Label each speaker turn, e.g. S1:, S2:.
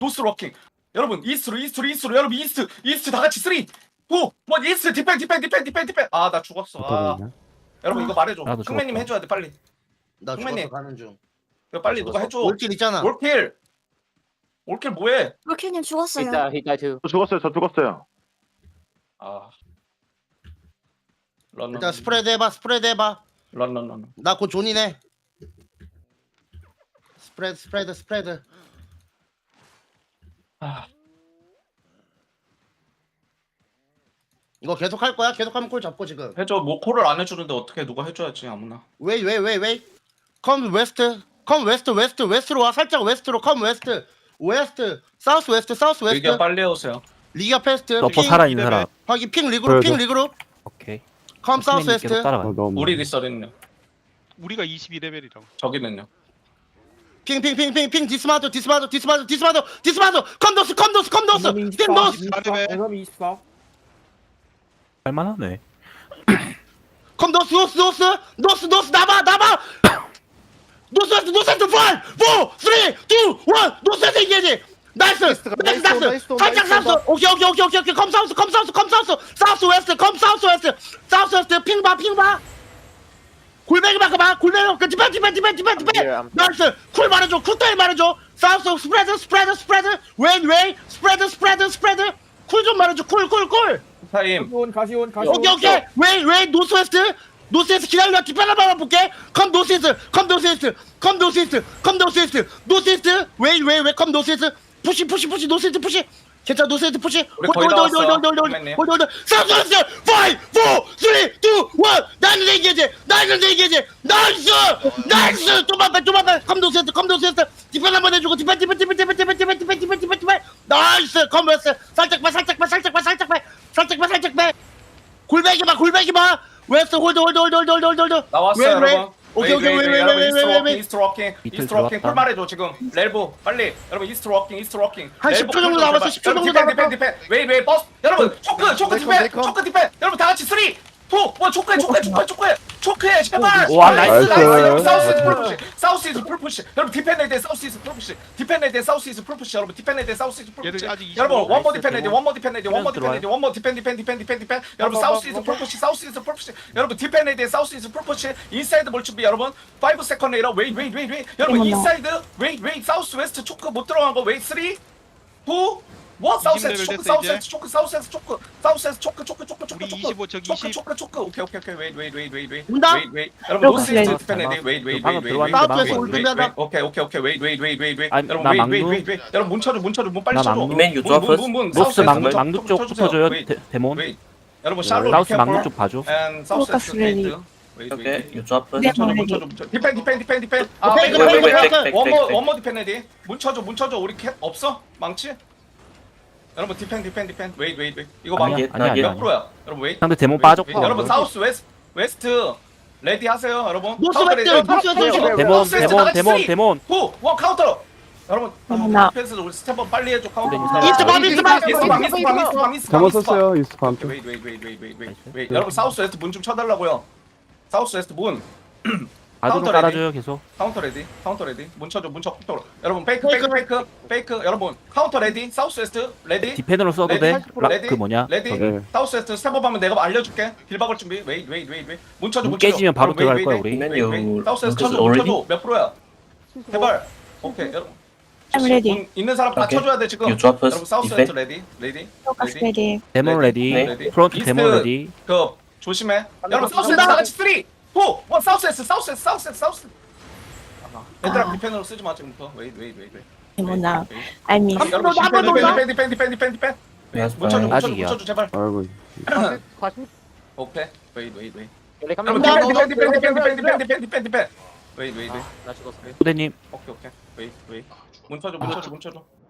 S1: 노스로 워킹. 여러분 이스트로 여러분 이스트 다 같이 3 2 1 이스트 디펜. 아 나 죽었어. 아 여러분 이거 말해줘.
S2: 나도
S1: 흥매님
S2: 죽었다.
S1: 해줘야 돼 빨리.
S3: 나
S1: 형맨님.
S3: 죽었어 가는 중.
S1: 이거 빨리 누가 해줘.
S3: 올킬 있잖아.
S1: 올킬 뭐해?
S4: 롤킬님 죽었어요.
S5: He died too.
S6: 저 죽었어요.
S1: 아 런.
S3: 일단 스프레드 해봐.
S1: 런.
S3: 나 곧 존이네. 스프레드.
S1: 아
S3: 이거 계속 할 거야? 계속 하면 콜 잡고 지금.
S1: 해줘. 뭐 콜을 안 해주는데 어떻게 누가 해줘야지 아무나.
S3: 웨이. 컴 웨스트로 와. 살짝 웨스트로 컴 웨스트. 사우스 웨스트.
S1: 얘기야 빨리 해오세요.
S3: 리가 페스트.
S2: 너퍼 살아있는 사람.
S3: 확인 핑 리그룹.
S2: 오케이.
S3: 컴 사우스
S2: 선생님 계속
S3: 웨스트.
S2: 따라가.
S1: 우리 리서는요.
S7: 우리가 22레벨이라고.
S1: 저기는요.
S3: 핑 디스마도. 컴도스. 핑 노스.
S2: 할만하네.
S3: 컴 노스 나봐. 노스 5 4 3 2 1 노스 engage. 나이스. 살짝 사우스. 오케이. 컴 사우스. 사우스 웨스트. 핑 봐. 골뱅이 봐. 디펜. 나이스. 쿨 말해줘. 쿨타임 말해줘. 사우스 스프레드. 웨이 스프레드. 쿨 좀 말해줘. 쿨.
S1: 타임.
S3: 오케이. 웨이 노스웨스트 기다려. 디펜 한번 볼게. 컴 노스이스트. 웨이 컴 노스이스트. 푸시 노스이스트 푸시. 괜찮아 노스이스트 푸시.
S1: 우리 거의 다 왔어. 선배님.
S3: 홀드. 사우스 5 4 3 2 1 나이스 engage. 나이스. 좀만 빼. 컴 노스이스트. 디펜 한번 해주고. 디펜. 나이스. 컴 웨스트. 살짝 빼. 골뱅이 봐. 웨스트 홀드.
S1: 나왔어요 여러분.
S3: 오케이.
S1: 이스트로 워킹.
S2: 밑을
S1: 콜
S2: 들어갔다.
S1: 말해줘 지금. 렐보 빨리. 여러분 이스트로 워킹.
S3: 한 10초 정도 남았어. 10초 정도 남았어.
S1: 디펜. 웨이 버스. 여러분 초크 디펜. 여러분 다 같이 3 2 1 초크해 제발.
S2: 와, 나이스.
S1: 사우스이즈 풀푸시. 여러분 디펜레드 사우스이즈 풀푸시. 여러분 디펜레드 사우스이즈 풀푸시.
S7: 얘들 아직 25
S1: 여러분 원모
S7: 있어요.
S1: 디펜. 여러분 사우스이즈 풀푸시. 여러분 디펜레드 사우스이즈 풀푸시. 인사이드 볼 준비 여러분. 5 세컨드 레이더 웨이. 여러분 인사이드 웨이 사우스 웨스트 초크 못 들어간 거 웨이 3 2 뭐 사우스 초크.
S7: 우리 25 저기 20.
S1: 초크. 오케이. 웨이.
S3: 온다?
S1: 여러분 노스이스트 디펜레드 웨이.
S2: 방금 들어왔는데
S3: 사우스에서
S2: 막고
S3: 올
S2: 있네.
S3: 준비하다.
S1: 오케이. 웨이.
S2: 아니,
S1: 여러분
S2: 나
S1: 웨이.
S2: 막루.
S1: 여러분 문 쳐줘. 문 빨리
S2: 나
S1: 쳐줘.
S2: 막루.
S5: 맨 유조 앞에서.
S2: 노스 막루 쪽 붙어줘요. 데몬.
S1: 웨이. 여러분 샬롯
S2: 사우스 막루 쪽 봐줘.
S1: and 사우스
S4: 로커스 레디.
S5: 오케이. 유조 앞에.
S4: 네.
S1: 디펜. 아
S3: 오케이,
S1: 웨이.
S5: 오케이.
S1: 원모 디펜 레디. 문 쳐줘. 우리 캡 없어? 망치? 여러분 디펜. 웨이. 이거 막
S2: 아니야.
S1: 몇 프로야? 여러분 웨이.
S2: 상대 데몬 빠졌고.
S1: 여러분 사우스 웨스트 레디 하세요, 여러분.
S3: 노스
S1: 카운터
S3: 웨스트,
S1: 레디.
S3: 노스 웨스트.
S2: 데몬.
S1: 원 카운터. 여러분
S4: 어머나.
S1: 디펜스 우리 스텝업 빨리 해줘. 카운터.
S3: 이스트 밤.
S1: 잘못
S8: 썼어요 이스트 밤.
S1: 웨이. 여러분 사우스 웨스트 문 좀 쳐달라고요. 사우스 웨스트 문.
S2: 아드로
S1: 카운터
S2: 깔아줘요 계속.
S1: 카운터 레디. 문 쳐. 여러분 페이크. 여러분 카운터 레디. 사우스 웨스트 레디.
S2: 디펜으로 써도 돼. 그 뭐냐.
S1: 레디.
S8: 네.
S1: 사우스 웨스트 스텝업 하면 내가 알려줄게. 길 박을 준비. 웨이. 문 쳐줘.
S2: 문 깨지면 바로 들어갈 거야 우리.
S5: 맨유.
S1: 사우스 웨스트 쳐줘. 몇 프로야? 제발. 오케이. 여러분.
S4: I'm ready.
S1: 문 있는 사람 다
S5: 오케이.
S1: 쳐줘야 돼 지금.
S5: 유조 앞에.
S1: 여러분 사우스 웨스트 레디.
S4: 로커스 레디.
S2: 데몬 레디.
S5: 네.
S2: 프론트
S1: 이스트.
S2: 데몬 레디.
S1: 그 조심해. 여러분 사우스 웨스트 다 같이 3 2 1 사우스 웨스트. 얘들아 디펜으로 쓰지 마 지금부터. 웨이.
S4: 데모나. I miss.
S1: 여러분 디펜. 문 쳐줘.
S2: 아직이야.
S1: 제발.
S8: 아이고.
S1: 오케이. 웨이.
S5: 여러분
S1: 여러분 디펜. 웨이.
S5: 나 죽었어.
S2: 후대님.
S1: 오케이. 웨이. 문 쳐줘.